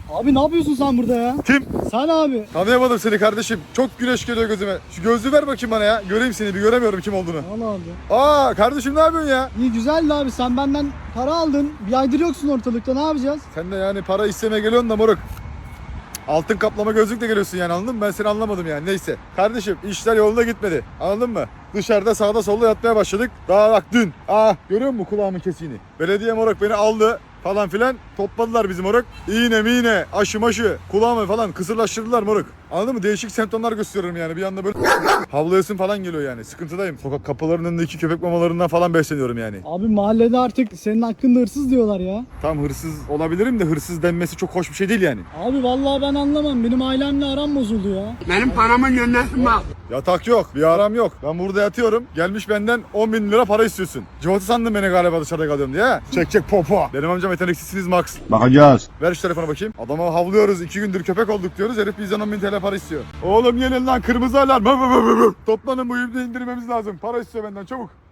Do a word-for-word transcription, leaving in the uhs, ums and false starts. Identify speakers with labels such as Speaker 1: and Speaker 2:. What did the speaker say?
Speaker 1: Abi ne yapıyorsun sen burada ya?
Speaker 2: Kim?
Speaker 1: Sen abi.
Speaker 2: Tanıyamadım seni kardeşim. Çok güneş geliyor gözüme. Şu gözlüğü ver bakayım bana ya. Göreyim seni, bir göremiyorum kim olduğunu.
Speaker 1: Al abi.
Speaker 2: Aa kardeşim, ne yapıyorsun ya?
Speaker 1: İyi güzeldi abi, sen benden para aldın. Bir aydır yoksun ortalıkta, ne yapacağız?
Speaker 2: Sen de yani para istemeye geliyorsun da moruk. Altın kaplama gözlükle geliyorsun yani, anladın mı? Ben seni anlamadım yani, neyse. Kardeşim işler yolunda gitmedi, anladın mı? Dışarıda sağda solda yatmaya başladık. Daha bak dün. Aa görüyor musun kulağımın kesiğini? Belediye moruk beni aldı falan filan, topladılar bizim moruk. İğne miğne, aşı maşı, kulağımı falan kısırlaştırdılar moruk. Anladın mı? Değişik semptomlar gösteriyorum yani, bir anda böyle havlayasın falan geliyor yani, sıkıntıdayım. Sokak kapılarının önündeki köpek mamalarından falan besleniyorum yani.
Speaker 1: Abi mahallede artık senin hakkında hırsız diyorlar ya.
Speaker 2: Tam hırsız olabilirim de hırsız denmesi çok hoş bir şey değil yani.
Speaker 1: Abi vallahi ben anlamam, benim ailemle aram bozuldu ya.
Speaker 3: Benim paramın yönlensin bak.
Speaker 2: Yatak yok, bir aram yok. Ben burada yatıyorum. Gelmiş benden on bin lira para istiyorsun. Cıvatı sandın beni galiba dışarıda kalıyorum diye. Çek çek popo. Benim amcam yeteneksizsiniz Max.
Speaker 4: Bakacağız.
Speaker 2: Ver şu telefona bakayım. Adama havlıyoruz. iki gündür köpek olduk diyoruz. Herif bizden on bin T L para istiyor. Oğlum gelin lan, kırmızı alarm. Toplanın, bu ibni indirmemiz lazım. Para istiyor benden, çabuk.